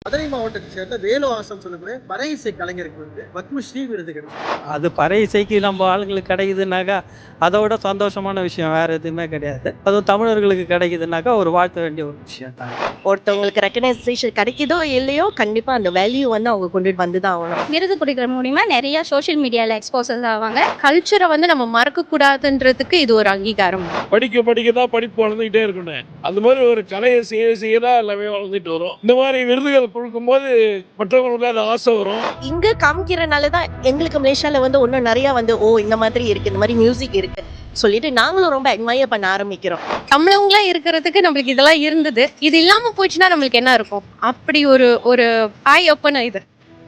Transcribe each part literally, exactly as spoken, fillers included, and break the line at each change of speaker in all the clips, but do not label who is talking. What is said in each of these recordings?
மதுரை மாவட்டத்தை சேர்ந்த வேலு ஆசம் சொல்லக்கூடிய பறை இசை கலைஞருக்கு வந்து பத்மஸ்ரீ விருது கிடைக்கும்.
அது பறை இசைக்கு நம்ம ஆளுங்களுக்கு கிடைக்குதுனாக்கா அதோட சந்தோஷமான விஷயம் வேற எதுவுமே கிடையாது. அதுவும் தமிழர்களுக்கு கிடைக்குதுனாக்கா ஒரு வாழ்த்த வேண்டிய ஒரு விஷயம் தான்.
ஒருத்தவங்களுக்கு ரெக்கக்னைசேஷன் கிடைக்குதோ இல்லையோ கண்டிப்பா அந்த வேல்யூ வந்து அவங்க கொண்டுட்டு வந்து தான் ஆகணும்.
விருது கொடுக்குற மூலியமா நிறைய சோஷியல் மீடியாவில் எக்ஸ்போசஸ் ஆவாங்க.
கல்ச்சரை வந்து நம்ம மறக்க கூடாதுன்றதுக்கு இது ஒரு அங்கீகாரம்.
படிக்க படிக்க தான் படிப்பு வளர்ந்துகிட்டே இருக்கணும். அந்த மாதிரி ஒரு கலையை செய்ய செய்ய தான் எல்லாமே வளர்ந்துட்டு வரும். இந்த மாதிரி விருதுகள் கொடுக்கும்போது மற்றவங்களுக்கு அந்த ஆசை வரும்.
இங்க காமிக்கிறனால தான் எங்களுக்கு மலேசியால வந்து இன்னும் நிறைய வந்து ஓ இந்த மாதிரி இருக்கு, இந்த மாதிரி மியூசிக் இருக்கு சொல்லிட்டு நாங்களும் ரொம்ப அட்மையர் பண்ண ஆரம்பிக்கிறோம்.
தமிழவங்களா இருக்கிறதுக்கு நம்மளுக்கு இதெல்லாம் இருந்தது, இது இல்லாம போச்சுன்னா நம்மளுக்கு என்ன இருக்கும்? அப்படி ஒரு ஒரு ஐ ஓப்பன் இது.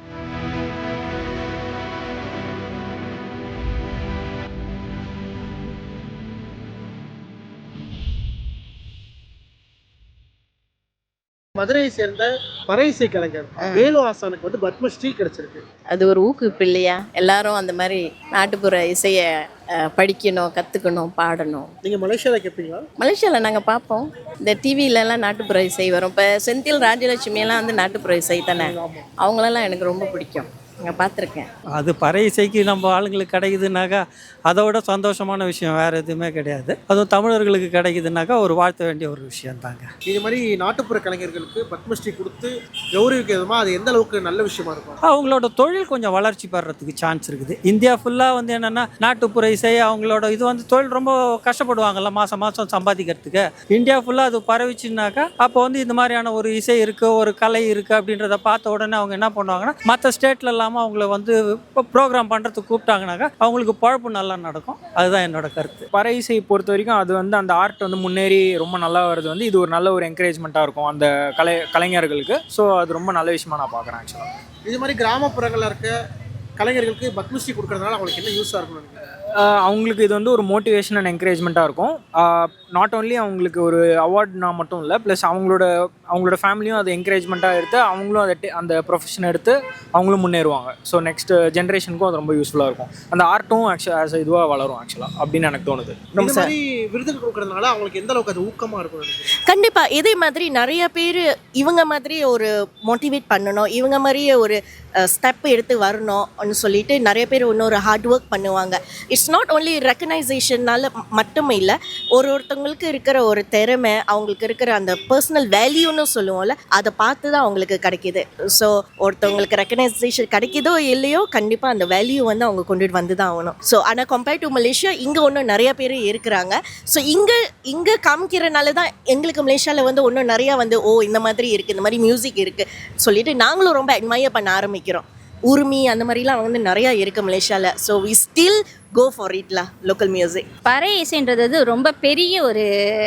மதுரையை சேர்ந்த பறை இசை கலைஞர் வேலு ஆசானுக்கு வந்து பத்மஸ்ரீ கிடைச்சிருக்கு.
அது ஒரு ஊக்குவிப்பு இல்லையா? எல்லாரும் அந்த மாதிரி நாட்டுப்புற இசையை படிக்கணும், கற்றுக்கணும், பாடணும்.
நீங்கள் மலேசியாவில் கேட்பீங்களா?
மலேசியாவில் நாங்கள் பார்ப்போம். இந்த டிவிலெலாம் நாட்டுப்புற இசை வரும். இப்போ செந்தில் ராஜலட்சுமியெல்லாம் வந்து நாட்டுப்புற இசை தானே, அவங்களெல்லாம் எனக்கு ரொம்ப பிடிக்கும். நான் பார்த்துருக்கேன்.
அது பறை இசைக்கு நம்ம ஆளுங்களுக்கு கிடைக்குதுனாக்கா அதோட சந்தோஷமான விஷயம் வேற எதுவுமே கிடையாது. அதுவும் தமிழர்களுக்கு கிடைக்குதுனாக்கா ஒரு வாழ்த்த வேண்டிய ஒரு விஷயம் தாங்க.
இது மாதிரி நாட்டுப்புற கலைஞர்களுக்கு பத்மஸ்ரீ கொடுத்து கௌரவிக்க விதமாக அது எந்த அளவுக்கு நல்ல விஷயமா இருக்கும்?
அவங்களோட தொழில் கொஞ்சம் வளர்ச்சி பெறறதுக்கு சான்ஸ் இருக்குது. இந்தியா ஃபுல்லாக வந்து என்னென்னா நாட்டுப்புற இசை அவங்களோட இது வந்து தொழில் ரொம்ப கஷ்டப்படுவாங்கல்ல மாதம் மாதம் சம்பாதிக்கிறதுக்கு. இந்தியா ஃபுல்லாக அது பரவிச்சுனாக்கா அப்போ வந்து இந்த மாதிரியான ஒரு இசை இருக்குது, ஒரு கலை இருக்குது அப்படின்றத பார்த்த உடனே அவங்க என்ன பண்ணுவாங்கன்னா மற்ற ஸ்டேட்லலாம் அவங்கள வந்து ப்ரோக்ராம் பண்ணுறதுக்கு கூப்பிட்டாங்கனாக்கா அவங்களுக்கு பழப்பு நல்லா நடக்கும். அதுதான் என்னோட கருத்து.
பறை இசை பொறுத்த வரைக்கும் அது வந்து அந்த ஆர்ட் வந்து முன்னேறி ரொம்ப நல்லா வருது வந்து இது ஒரு நல்ல ஒரு என்கரேஜ்மெண்ட்டாக இருக்கும் அந்த கலை கலைஞர்களுக்கு. ஸோ அது ரொம்ப நல்ல விஷயமா நான் பார்க்குறேன். ஆக்சுவலாக
இது மாதிரி கிராமப்புறங்களில் இருக்க கலைஞர்களுக்கு பத்மஸ்ரீ கொடுக்கறதுனால அவங்களுக்கு என்ன யூஸாக இருக்கணும்?
அவங்களுக்கு இது வந்து ஒரு மோட்டிவேஷன் அண்ட் என்கரேஜ்மெண்ட்டாக இருக்கும். நாட் ஓன்லி அவங்களுக்கு ஒரு அவார்ட்னா மட்டும் இல்லை, ப்ளஸ் அவங்களோட அவங்களோட ஃபேமிலியும் அது என்கரேஜ்மெண்ட்டாக எடுத்து அவங்களும் அதை அந்த ப்ரொஃபஷனை எடுத்து அவங்களும் முன்னேறுவாங்க. ஸோ நெக்ஸ்ட் ஜென்ரேஷனுக்கும் அது ரொம்ப யூஸ்ஃபுல்லாக இருக்கும். அந்த ஆர்ட்டும் ஆக்சுவலாக ஆஸ் இதுவாக வளரும் ஆக்சுவலாக அப்படின்னு எனக்கு தோணுது.
இந்த மாதிரி விருதுகள் கொடுக்கறதுனால அவங்களுக்கு எந்த அளவுக்கு அது ஊக்கமாக இருக்கும்?
கண்டிப்பாக இதே மாதிரி நிறைய பேர் இவங்க மாதிரி ஒரு மோட்டிவேட் பண்ணணும், இவங்க மாதிரியே ஒரு ஸ்டெப் எடுத்து வரணும்னு சொல்லிட்டு நிறைய பேர் இன்னொரு ஹார்ட் ஒர்க் பண்ணுவாங்க. இட்ஸ் நாட் ஓன்லி ரெக்கக்னைசேஷன்னால மட்டும் இல்லை, ஒரு ஒருத்தவங்களுக்கு இருக்கிற ஒரு திறமை, அவங்களுக்கு இருக்கிற அந்த பர்சனல் வேல்யூன்னு சொல்லுவோம்ல, அதை பார்த்து தான் அவங்களுக்கு கிடைக்கிது. ஸோ ஒருத்தவங்களுக்கு ரெக்கக்னைசேஷன் கிடைக்குதோ இல்லையோ கண்டிப்பாக அந்த வேல்யூ வந்து அவங்க கொண்டுட்டு வந்து தான் ஆகணும். ஸோ ஆனால் கம்பேர்ட் டு மலேசியா இங்கே இன்னும் நிறைய பேர் இருக்கிறாங்க. ஸோ இங்கே இங்கே காமிக்கிறனால தான் எங்களுக்கு மலேசியாவில் வந்து இன்னும் நிறையா வந்து ஓ இந்த மாதிரி இருக்குது, இந்த மாதிரி மியூசிக் இருக்குது சொல்லிட்டு நாங்களும் ரொம்ப அட்மையர் பண்ண ஆரம்பிக்கிறோம். உரிமை அந்த மாதிரிலாம் வந்து நிறையா இருக்குது மலேசியாவில். So we still go for இட்லா லோக்கல் மியூசிக்.
பறை இசைன்றது ரொம்ப பெரிய ஒரு,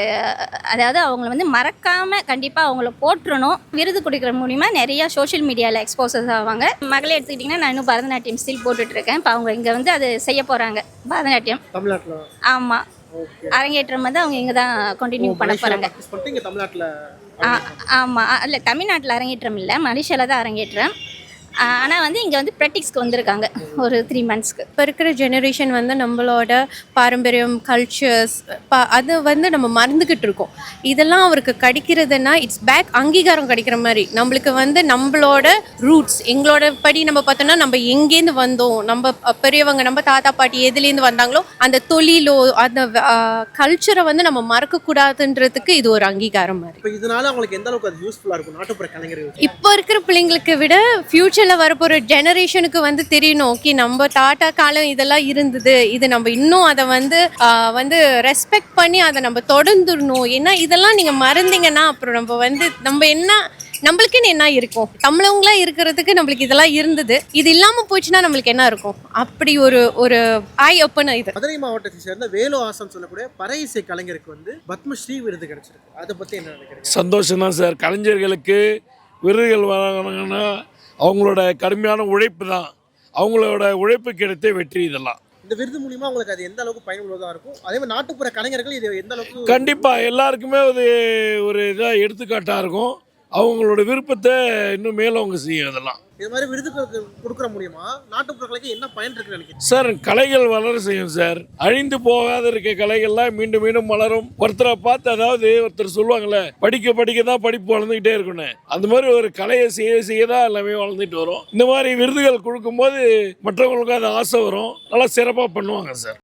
அதாவது அவங்கள வந்து மறக்காமல் கண்டிப்பாக அவங்கள போற்றணும். விருது கொடுக்குற மூலிமா நிறையா சோஷியல் மீடியாவில் எக்ஸ்போசஸ் ஆவாங்க. மகளே எடுத்துக்கிட்டிங்கன்னா நான் இன்னும் பரதநாட்டியம் ஸ்டில் போட்டுட்ருக்கேன். இப்போ அவங்க இங்கே வந்து அது செய்ய போகிறாங்க பரதநாட்டியம் தமிழ்நாட்டில். ஆமாம், அரங்கேற்றம் வந்து அவங்க இங்கே தான் கண்டினியூ பண்ண போகிறாங்க.
தமிழ்நாட்டில்
ஆமாம், இல்லை தமிழ்நாட்டில் அரங்கேற்றம் இல்லை, மலேசியாவில் தான் அரங்கேற்றம். ஆனால் வந்து இங்கே வந்து ப்ராக்டிஸ்க்கு வந்திருக்காங்க ஒரு த்ரீ மந்த்ஸ்க்கு.
இப்போ இருக்கிற ஜெனரேஷன் வந்து நம்மளோட பாரம்பரியம் கல்ச்சர்ஸ் பா அது வந்து நம்ம மறந்துக்கிட்டு இருக்கோம். இதெல்லாம் அவருக்கு கிடைக்கிறதுனா இட்ஸ் பேக் அங்கீகாரம் கிடைக்கிற மாதிரி. நம்மளுக்கு வந்து நம்மளோட ரூட்ஸ் எங்களோட படி நம்ம பார்த்தோம்னா நம்ம எங்கேருந்து வந்தோம், நம்ம பெரியவங்க நம்ம தாத்தா பாட்டி எதுலேருந்து வந்தாங்களோ அந்த தொழிலோ அந்த கல்ச்சரை வந்து நம்ம மறக்கக்கூடாதுன்றதுக்கு இது ஒரு அங்கீகாரம் மாதிரி.
இப்போ இதனால அவங்களுக்கு எந்த அளவுக்கு அது யூஸ்ஃபுல்லாக இருக்கும் நாட்டுப்புற கலைஞர்கள்?
இப்போ இருக்கிற பிள்ளைங்களுக்கு விட ஃபியூச்சர் வரப்போற ஜெனரேஷனுக்கு வந்து தெரியணும், ஓகே நம்ம தாத்தா காலம் இதெல்லாம் இருந்தது, இது நம்ம இன்னும் அதை வந்து வந்து ரெஸ்பெக்ட் பண்ணி அதை நம்ம தொடர்ந்துடணும். ஏன்னா இதெல்லாம் நீங்க மறந்தீங்கன்னா அப்புறம் நம்ம வந்து நம்ம என்ன நம்மளுக்குன்னு என்ன இருக்கும்? தமிழவங்களா இருக்கிறதுக்கு நம்மளுக்கு இதெல்லாம் இருந்தது, இது இல்லாம போச்சுன்னா நம்மளுக்கு என்ன இருக்கும்? அப்படி ஒரு ஒரு ஐ ஓப்பன் இது.
மதுரை மாவட்டத்தை சேர்ந்த வேலு ஆசம் சொல்லக்கூடிய பறை இசை கலைஞருக்கு வந்து பத்மஸ்ரீ விருது கிடைச்சிருக்கு. அதை பத்தி என்ன நினைக்கிறீங்க?
சந்தோஷம் தான் சார். கலைஞர்களுக்கு விருதுகள் வழங்கினாங்கன்னா அவங்களோட கடுமையான உழைப்பு தான், அவங்களோட உழைப்பு கிடைத்த வெற்றி. இதெல்லாம்
இந்த விருது மூலியமா உங்களுக்கு அது எந்த அளவுக்கு பயனுள்ளதாக இருக்கும்? அதே மாதிரி நாட்டுப்புற கலைஞர்கள் இது எந்த அளவுக்கு?
கண்டிப்பாக எல்லாருக்குமே அது ஒரு இதாக எடுத்துக்காட்டாக இருக்கும். அவங்களோட விருப்பத்தை இன்னும் மேலும் அவங்க செய்யும். இதெல்லாம்
இது மாதிரி விருதுகள் கொடுக்குற மூலியமா நாட்டுப்புற கலைக்கு என்ன பயன் இருக்குன்னு நினைக்கிறீங்க?
சார் கலைகள் வளர செய்யும் சார். அழிந்து போகாத இருக்க கலைகள்லாம் மீண்டும் மீண்டும் வளரும். ஒருத்தரை பார்த்து, அதாவது ஒருத்தர் சொல்லுவாங்கல்ல, படிக்க படிக்க தான் படிப்பு வளர்ந்துகிட்டே இருக்குன்னு, அந்த மாதிரி ஒரு கலையை செய்ய செய்ய தான் எல்லாமே வளர்ந்துட்டு வரும். இந்த மாதிரி விருதுகள் கொடுக்கும்போது மற்றவங்களுக்கு அது ஆசை வரும், நல்லா சிறப்பாக பண்ணுவாங்க சார்.